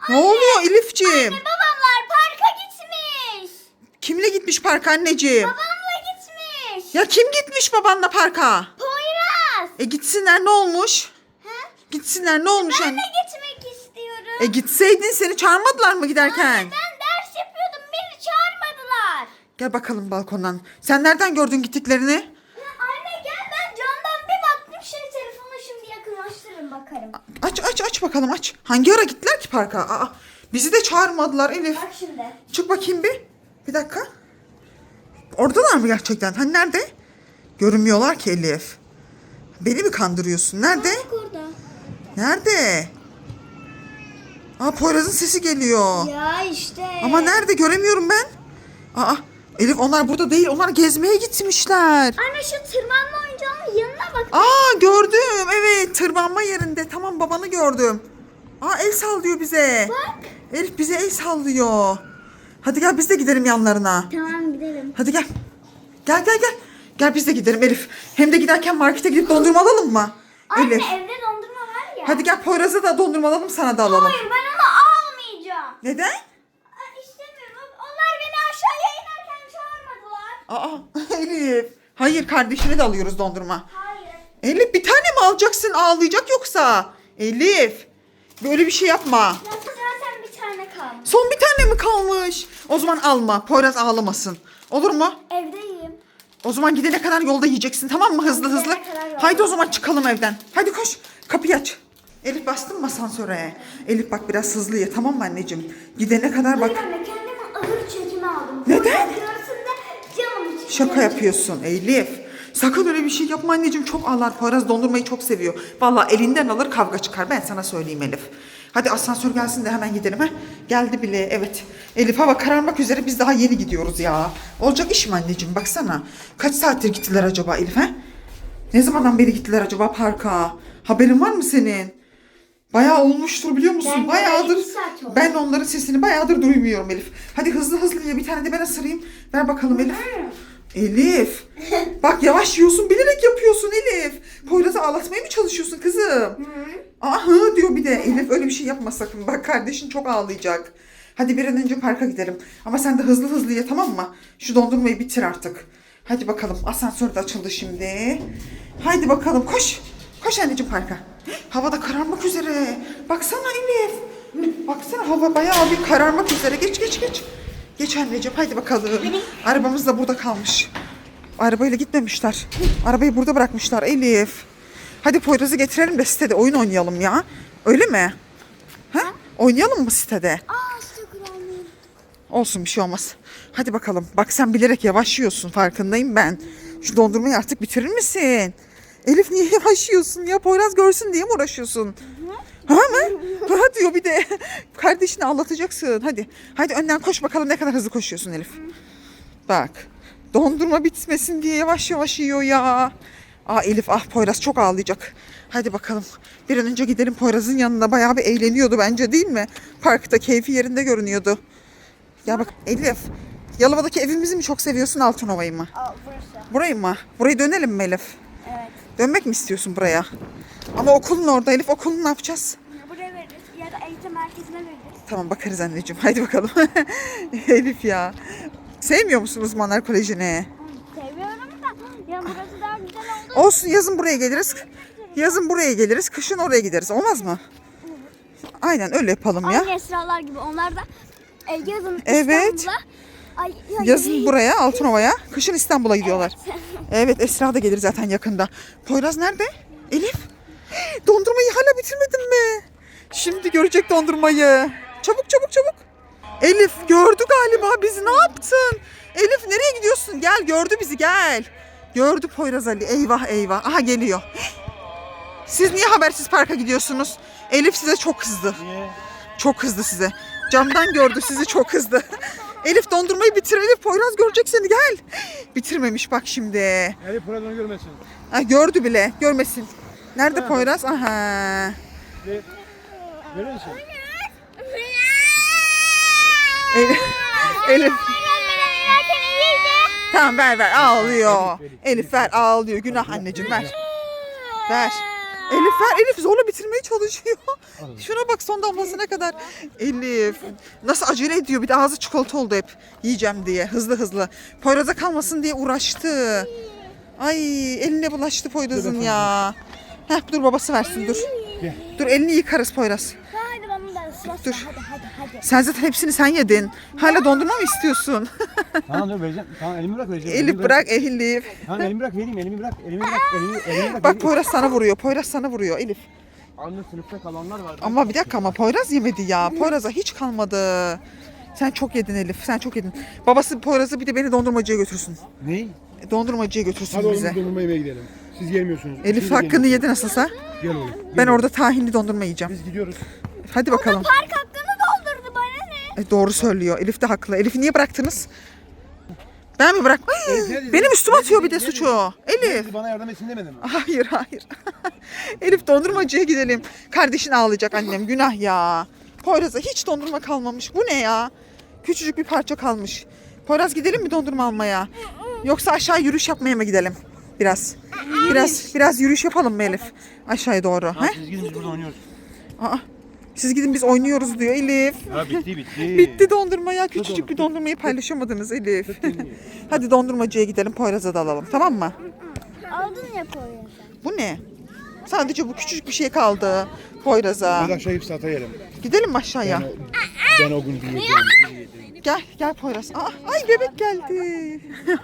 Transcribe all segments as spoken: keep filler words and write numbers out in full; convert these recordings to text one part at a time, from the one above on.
Ne oluyor Elifciğim? Anne babamlar parka gitmiş. Kimle gitmiş parka anneciğim? Babamla gitmiş. Ya kim gitmiş babanla parka? Poyraz. E gitsinler ne olmuş? He? Gitsinler ne olmuş Ben anne? de gitmek istiyorum. E gitseydin seni çağırmadılar mı giderken? Anne ben ders yapıyordum beni çağırmadılar. Gel bakalım balkondan. Sen nereden gördün gittiklerini? Ya anne gel ben camdan bir baktım şey telefona şimdi yakınlaştırırım bakarım. Aç aç aç bakalım aç. Hangi ara gittiler ki parka? Aa, bizi de çağırmadılar Elif. Bak şimdi. Çık bakayım bir. Bir dakika. Oradalar mı gerçekten? Hani nerede? Görünmüyorlar ki Elif. Beni mi kandırıyorsun? Nerede? Bak orada. Nerede? Aa Poyraz'ın sesi geliyor. Ya işte. Ama nerede? Göremiyorum ben. Aa Elif onlar burada değil. Onlar gezmeye gitmişler. Anne şu tırmanma oyuncağının yanına bak. Aa gördüm. Evet tırmanma yerinde. Tamam babanı gördüm. Aa el sallıyor bize. Bak. Elif bize el sallıyor. Hadi gel biz de gidelim yanlarına. Tamam gidelim. Hadi gel. Gel gel gel. Gel biz de gidelim Elif. Hem de giderken markete gidip dondurma alalım mı? Anne Elif. evde dondurma var ya. Hadi gel Poyraz'a da dondurma alalım sana da alalım. Hayır ben onu almayacağım. Neden? Aa, İstemiyorum. Onlar beni aşağıya inerken çağırmadılar. Aa Elif. Hayır kardeşine de alıyoruz dondurma. Hayır. Elif bir tane mi alacaksın ağlayacak yoksa? Elif. Böyle bir şey yapma. Ya zaten bir tane kalmış. Son bir tane mi kalmış? O zaman alma. Poyraz ağlamasın. Olur mu? Evdeyim. O zaman gidene kadar yolda yiyeceksin tamam mı? Hızlı Gidene hızlı. kadar yolda Haydi o zaman çıkalım evden. Hadi koş. Kapıyı aç. Elif bastın mı asansöre? Elif bak biraz hızlı ye tamam mı anneciğim? Gidene kadar bak. Hayır anne kendime ağır çekimi aldım. Neden? Görsün de canım için. Şaka yapıyorsun Elif. Sakın öyle bir şey yapma anneciğim. Çok ağlar. Poyraz dondurmayı çok seviyor. Vallahi elinden alır kavga çıkar. Ben sana söyleyeyim Elif. Hadi asansör gelsin de hemen gidelim ha. Geldi bile evet. Elif hava kararmak üzere biz daha yeni gidiyoruz ya. Olacak iş mi anneciğim baksana. Kaç saattir gittiler acaba Elif ha? Ne zamandan beri gittiler acaba parka? Haberin var mı senin? Bayağı olmuştur biliyor musun? Ben de Bayağıdır. iki saat oldu. Ben onların sesini bayağıdır duymuyorum Elif. Hadi hızlı hızlı ye bir tane de ben ısırayım. Ver bakalım Elif. Elif. Bak yavaş yiyorsun bilerek yapıyorsun Elif. Poyraz'ı ağlatmaya mı çalışıyorsun kızım? Aa hı diyor bir de. Elif öyle bir şey yapma sakın. Bak kardeşin çok ağlayacak. Hadi bir an önce parka gidelim. Ama sen de hızlı hızlı ye tamam mı? Şu dondurmayı bitir artık. Hadi bakalım asansör de açıldı şimdi. Haydi bakalım koş. Koş anneciğim parka. Hava da kararmak üzere. Baksana Elif. Baksana hava bayağı bir kararmak üzere. Geç geç geç. Geç anneciğim haydi bakalım. Arabamız da burada kalmış. Arabayla gitmemişler. Arabayı burada bırakmışlar Elif. Hadi Poyraz'ı getirelim de sitede oyun oynayalım ya. Öyle mi? Ha? Oynayalım mı sitede? Aa işte kuralıyım. Olsun bir şey olmaz. Hadi bakalım. Bak sen bilerek yavaş yiyorsun farkındayım ben. Şu dondurmayı artık bitirir misin? Elif niye yavaş yiyorsun ya? Poyraz görsün diye mi uğraşıyorsun? Ha mı? Ha diyor bir de. Kardeşini ağlatacaksın. Hadi. Hadi önden koş bakalım ne kadar hızlı koşuyorsun Elif. Bak. Dondurma bitmesin diye yavaş yavaş yiyor ya. Aa Elif ah Poyraz çok ağlayacak. Hadi bakalım. Bir an önce gidelim Poyraz'ın yanına. Bayağı bir eğleniyordu bence değil mi? Parkta keyfi yerinde görünüyordu. Ya bak Elif. Yalova'daki evimizi mi çok seviyorsun Altınova'yı mı? Aa burası. Burayı mı? Burayı dönelim mi Elif? Evet. Dönmek mi istiyorsun buraya? Ama okulun orada Elif. Okulunu ne yapacağız? Buraya veririz ya da eğitim merkezine veririz. Tamam bakarız anneciğim. Haydi bakalım. Elif ya. Sevmiyor musun uzmanlar kolejini? Seviyorum da ya burası daha güzel oldu. Olsun yazın buraya geliriz. Yazın buraya geliriz. Kışın oraya gideriz. Olmaz mı? Aynen öyle yapalım ya. Aynı Esralar gibi onlar da e, yazın Evet. İstanbul'a. Ay, ya- Yazın buraya Altınova'ya. Kışın İstanbul'a gidiyorlar. Evet Esra da gelir zaten yakında. Poyraz nerede? Elif. Dondurmayı hala bitirmedin mi? Şimdi görecek dondurmayı. Çabuk çabuk çabuk. Elif gördü galiba bizi ne yaptın? Elif nereye gidiyorsun? Gel gördü bizi gel. Gördü Poyraz Ali. Eyvah eyvah. Aha geliyor. Siz niye habersiz parka gidiyorsunuz? Elif size çok kızdı. Niye? Çok kızdı size. Camdan gördü sizi çok kızdı. Elif dondurmayı bitir Elif. Poyraz görecek seni gel. Bitirmemiş bak şimdi. Elif programı görmesin. Ha, gördü bile. Görmesin. Nerede Ha. Poyraz? Aha. Ve görüyor musun? Elif. Elif. Tamam ver ver ağlıyor. Elif ver ağlıyor. Günah anneciğim ver. Ver. Elif ver. Elif zorla bitirmeye çalışıyor. Şuna bak son damlasına kadar. Elif nasıl acele ediyor, bir de ağzı çikolata oldu hep. Yiyeceğim diye hızlı hızlı. Poyraz'a kalmasın diye uğraştı. Ay eline bulaştı Poyraz'ın ya. Heh, dur babası versin dur. Gel. Dur elini yıkarız Poyraz. Hadi bana da ıslat. Dur. Hadi hadi hadi. Sen zaten hepsini sen yedin. Hala dondurma mı istiyorsun? Tamam dur vereceğim. Tamam elimi bırak vereceğim. Elif Elimi bırak Elif. Tamam elimi bırak vereyim elimi bırak. Elimi bırak. Elimi, elimi bırak. Bak vereyim. Poyraz sana vuruyor. Poyraz sana vuruyor Elif. Anne sınıfta kalanlar var. Ama bir dakika ama Poyraz yemedi ya. Poyraz'a hiç kalmadı. Sen çok yedin Elif. Sen çok yedin. Babası Poyraz'ı bir de beni dondurmacıya götürsün. Ne? E, Dondurmacıya götürsün Hadi oğlum bize. biz dondurma yemeye gidelim. Siz gelmiyorsunuz. Elif Siz de hakkını gelmiyorsunuz. yedi nasılsa. Gel oğlum. Ben gel orada tahinli dondurma yiyeceğim. oğlum. Biz gidiyoruz. Hadi bakalım. Park hakkını doldurdu bana ne? E, doğru söylüyor. Elif de haklı. Elif'i niye bıraktınız? Ben mi bırak? Ay, Elif, nerede? benim üstüme Nerede? atıyor bir de Nerede? suçu. Elif. Siz bana yardım etsin demedin mi? Hayır hayır. Elif dondurmacıya gidelim. Kardeşin ağlayacak annem. Günah ya. Poyraz'a hiç dondurma kalmamış. Bu ne ya? Küçücük bir parça kalmış. Poyraz gidelim mi dondurma almaya? Yoksa aşağı yürüyüş yapmaya mı gidelim? Biraz. Biraz biraz yürüyüş yapalım mı Elif? Aşağıya doğru. Tamam, He? siz gidin biz burada oynuyoruz. Aa, siz gidin biz oynuyoruz diyor Elif. Ha bitti bitti. Bitti dondurma ya. onu, Küçücük bir tut. dondurmayı paylaşamadınız Elif. Hadi dondurmacıya gidelim. Poyraz'a da alalım. Tamam mı? Aldın ya koyuyorsun. Bu ne? Sadece bu küçücük bir şey kaldı Poyraz'a. Hadi aşağı hepsi ata yerim. Gidelim mi aşağıya? Ben, o- ben o gün bir yiyeceğim. Gel, gel Poyraz. Aa, ay bebek geldi.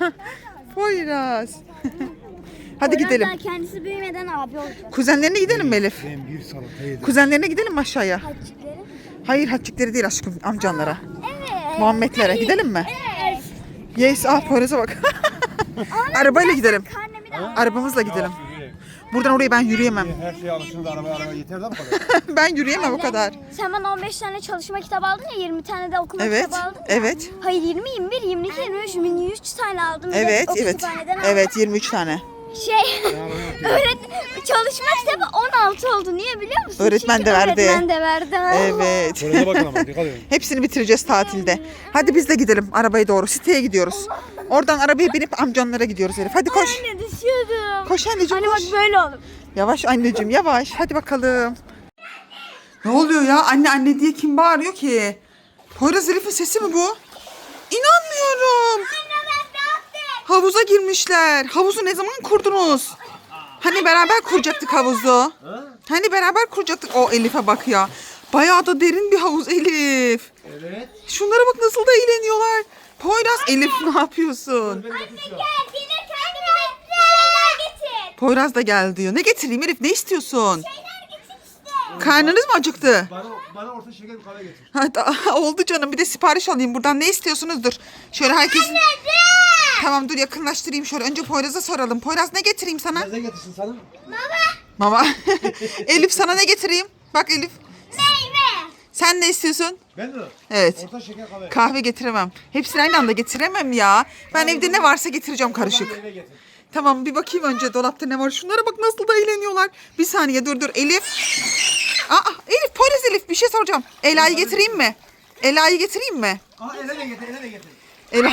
Poyraz. Hadi gidelim. Poyraz daha kendisi büyümeden abi olacak. Kuzenlerine gidelim mi Elif? Ben bir salata yedim. Kuzenlerine gidelim mi aşağıya? Hacıkları. Hayır, Hatçikleri değil aşkım, amcanlara. Evet. Muhammedlere gidelim mi? Evet. Yes, ah Poyraz'a bak. Arabayla gidelim. Karnemi de Arabamızla gidelim. Yavaş yürü. Buradan oraya ben yürüyemem. Her şeye alışın da araba araba yeter de bu kadar. Ben yürüyemem o kadar. Sen bana on beş tane çalışma kitabı aldın ya, yirmi tane de okuma Evet, kitabı aldın ya. evet. Hayır, yirmi, yirmi bir, yirmi iki, yirmi üç, yirmi üç tane aldım. Bir de Evet, o evet. kütüphaneden aldım. Evet, yirmi üç tane. Şey, öğret çalışma kitabı on altı oldu. Niye biliyor musun? Öğretmen Çünkü de verdi. Öğretmen de verdi. Evet. Şöyle bakın ama dikkat edin. Hepsini bitireceğiz tatilde. Hadi biz de gidelim arabaya doğru. Siteye gidiyoruz. Oradan arabaya binip amcanlara gidiyoruz Elif. Hadi koş. Anne düşüyordum. Koş anneciğim Anne koş. bak böyle olur. Yavaş anneciğim yavaş. Hadi bakalım. Ne oluyor ya? Anne anne diye kim bağırıyor ki? Poyraz Elif'in sesi mi bu? İnanmıyorum. Anne ben ne yaptım? Havuza girmişler. Havuzu ne zaman kurdunuz? Hani beraber kuracaktık havuzu. Hani beraber kuracaktık. O Elif'e bak ya. Bayağı da derin bir havuz Elif. Evet. Şunlara bak nasıl da eğleniyorlar. Poyraz Elif ne yapıyorsun? Anne gel yine kendime şeyler getir. Poyraz da gel diyor. Ne getireyim Elif? Ne istiyorsun? Şeyler getir işte. Karnınız mı acıktı? Bana, bana orta şeker bir kahve getir. Ha, oldu canım. Bir de sipariş alayım buradan. Ne istiyorsunuz? Dur. Şöyle herkesin... Tamam dur yakınlaştırayım şöyle. Önce Poyraz'a soralım. Poyraz ne getireyim sana? Ne getirsin sana? Mama. Elif sana ne getireyim? Bak Elif. Meyve. Sen ne istiyorsun? Ben mi? Evet. Orta şeker kahve. Kahve getiremem. Hepsini aynı anda getiremem ya. Ben evde ne varsa getireceğim karışık. Eve getir. Tamam bir bakayım önce dolapta ne var. Şunlara bak nasıl da eğleniyorlar. Bir saniye dur dur Elif. Aa Elif Poyraz Elif bir şey soracağım. Ela'yı getireyim mi? Ela'yı getireyim mi? Aa ele de getir, ele de getir. Ela.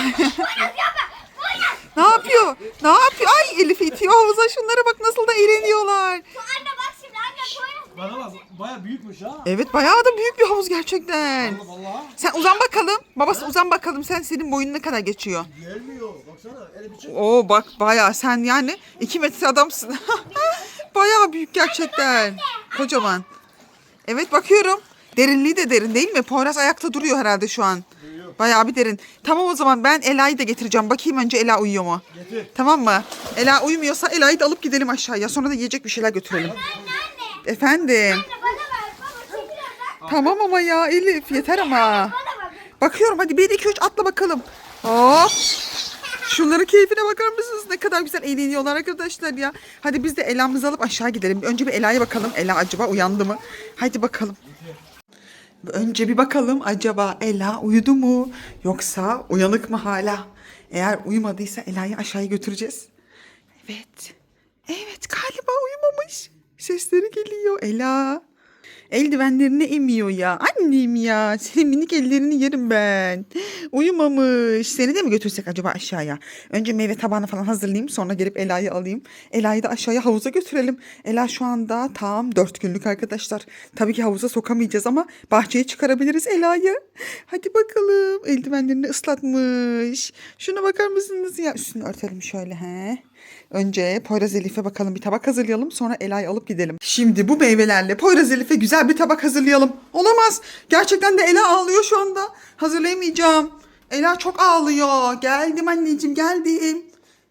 Ne yapıyor? Ne yapıyor? Ay Elif itiyor havuza. Şunlara bak nasıl da eğleniyorlar. Anne bak şimdi anne Poyraz. Bana bak, baya büyükmüş ha. Evet bayağı da büyük bir havuz gerçekten. Vallahi. Sen uzan bakalım. Babası uzan bakalım. Sen senin boyun ne kadar geçiyor? Gelmiyor. Baksana, ele bir çık. Oo bak bayağı sen yani iki metre adamsın. Bayağı büyük gerçekten. Kocaman. Evet bakıyorum. Derinliği de derin değil mi? Poyraz ayakta duruyor herhalde şu an. Bayağı bir derin. Tamam o zaman ben Ela'yı da getireceğim. Bakayım önce Ela uyuyor mu? Getir. Tamam mı? Ela uyumuyorsa Ela'yı da alıp gidelim aşağıya. Sonra da yiyecek bir şeyler götürelim. Efendim. Anne bana ver. Baba çekil oradan. Tamam ama ya Elif yeter ama. Bana bak. Bakıyorum hadi bir iki üç atla bakalım. Hop. Şunların keyfine bakar mısınız? Ne kadar güzel eğleniyorlar arkadaşlar ya. Hadi biz de Ela'mızı alıp aşağı gidelim. Önce bir Ela'ya bakalım. Ela acaba uyandı mı? Hadi bakalım. Önce bir bakalım acaba Ela uyudu mu? Yoksa uyanık mı hala? Eğer uyumadıysa Ela'yı aşağıya götüreceğiz. Evet. Evet galiba uyumamış. Sesleri geliyor Ela. Eldivenlerini emiyor ya. Annem ya. Senin minik ellerini yerim ben. Uyumamış. Seni de mi götürsek acaba aşağıya? Önce meyve tabağını falan hazırlayayım. Sonra gelip Ela'yı alayım. Ela'yı da aşağıya havuza götürelim. Ela şu anda tam dört günlük arkadaşlar. Tabii ki havuza sokamayacağız ama bahçeye çıkarabiliriz Ela'yı. Hadi bakalım. Eldivenlerini ıslatmış. Şuna bakar mısınız ya? Üstünü örtelim şöyle he. Önce Poyraz Elif'e bakalım bir tabak hazırlayalım. Sonra Ela'yı alıp gidelim. Şimdi bu meyvelerle Poyraz Elif'e güzel bir tabak hazırlayalım. Olamaz. Gerçekten de Ela ağlıyor şu anda. Hazırlayamayacağım. Ela çok ağlıyor. Geldim anneciğim geldim.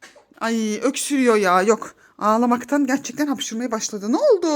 Ay öksürüyor ya. Yok. Ağlamaktan gerçekten hapşırmaya başladı. Ne oldu?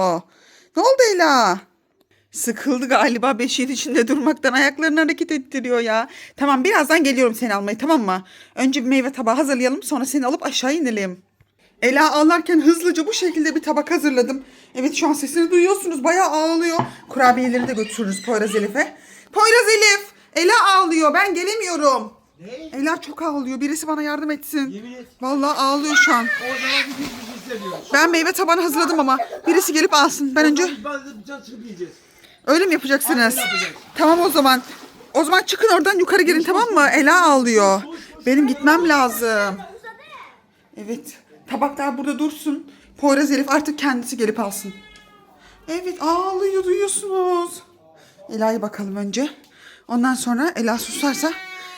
Ne oldu Ela? Sıkıldı galiba beşiğin içinde durmaktan ayaklarını hareket ettiriyor ya. Tamam birazdan geliyorum seni almaya tamam mı? Önce bir meyve tabağı hazırlayalım sonra seni alıp aşağı inelim. Ela ağlarken hızlıca bu şekilde bir tabak hazırladım. Evet şu an sesini duyuyorsunuz bayağı ağlıyor. Kurabiyeleri de götürürüz Poyraz Elif'e. Poyraz Elif! Ela ağlıyor ben gelemiyorum. Ne? Ela çok ağlıyor birisi bana yardım etsin. Yemin et. Vallahi ağlıyor şu an. O zaman bir bir bir hissediyor. Ben meyve tabağını hazırladım ama birisi gelip alsın. Ben önce Ben de bir can çıkıp yiyeceğiz. öyle mi yapacaksınız? Aynen yapacağız. Tamam o zaman. O zaman çıkın oradan yukarı gelin tamam mı? Ela ağlıyor. Benim gitmem lazım. Evet. Tabaklar burada dursun. Poyraz Elif artık kendisi gelip alsın. Evet ağlıyor duyuyorsunuz. Ela'ya bakalım önce. Ondan sonra Ela susarsa.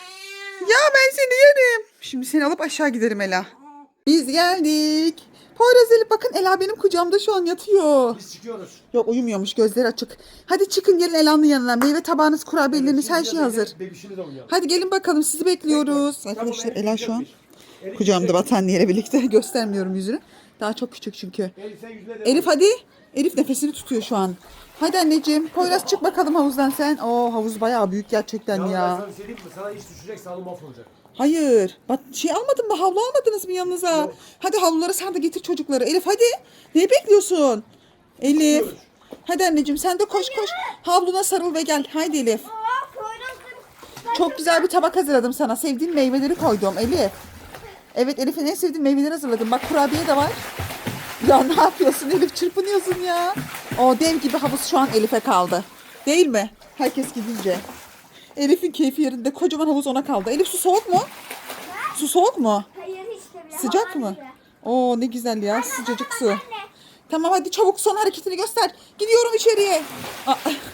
Ya ben seni yerim. Şimdi seni alıp aşağı giderim Ela. Biz geldik. Poyraz Elif bakın Ela benim kucağımda şu an yatıyor. Biz çıkıyoruz. Yok uyumuyormuş gözleri açık. Hadi çıkın gelin Ela'nın yanına. Meyve tabağınız, kurabiyeleriniz her şey hazır. Bebişimiz oynuyor. Hadi gelin bakalım sizi bekliyoruz. Arkadaşlar Ela şu an kucağımda battaniyeyle birlikte göstermiyorum yüzünü. Daha çok küçük çünkü. Elif sen yüzüne de. Elif hadi. Elif nefesini tutuyor şu an. Hadi anneciğim. Poyraz çık bakalım havuzdan sen. Oo havuz bayağı büyük gerçekten Ya. ya. Ben sana bir şey diyeyim mi? Sana iş düşecek sağlığı mahvolacak. Hayır. Bak şey almadın mı? Havlu almadınız mı yanınıza? Yok. Hadi havluları sen de getir çocukları. Elif hadi. Neyi bekliyorsun? Elif. Hadi anneciğim sen de koş koş. Havluna sarıl ve gel. Haydi Elif. Aa, Poyraz'ın- Çok güzel bir tabak hazırladım sana. Sevdiğin meyveleri koydum Elif. Evet Elif'in en sevdiği meyveleri hazırladım. Bak kurabiye de var. Ya ne yapıyorsun Elif? Çırpınıyorsun ya. O dev gibi havuz şu an Elif'e kaldı. Değil mi? Herkes gidince. Elif'in keyfi yerinde. Kocaman havuz ona kaldı. Elif su soğuk mu? Su soğuk mu? Hayır hiç de bile. Sıcak Havadan mı? gibi. Oo ne güzel ya sıcacık su. Anne. Tamam hadi çabuk son hareketini göster. Gidiyorum içeriye. Aa,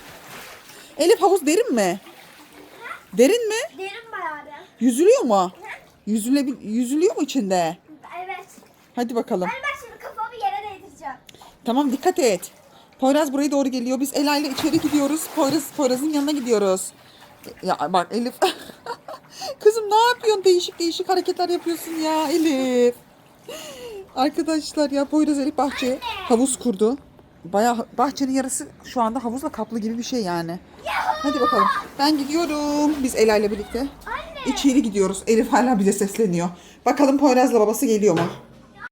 Elif havuz derin mi? Derin mi? Derin bayağı bir. Yüzülüyor mu? Yüzüle, yüzülüyor mu içinde? Evet. Hadi bakalım. Ben bak şimdi kafamı yere değdireceğim. Tamam dikkat et. Poyraz buraya doğru geliyor. Biz Ela ile içeri gidiyoruz. Poyraz Poyraz'ın yanına gidiyoruz. Ya bak Elif. Kızım ne yapıyorsun? Değişik değişik hareketler yapıyorsun ya Elif. Arkadaşlar ya Poyraz Elif bahçeye havuz kurdu. Bayağı bahçenin yarısı şu anda havuzla kaplı gibi bir şey yani. Hadi bakalım. Ben gidiyorum. Biz Ela ile birlikte. İçeri gidiyoruz. Elif hala bize sesleniyor. Bakalım Poyraz'la babası geliyor mu?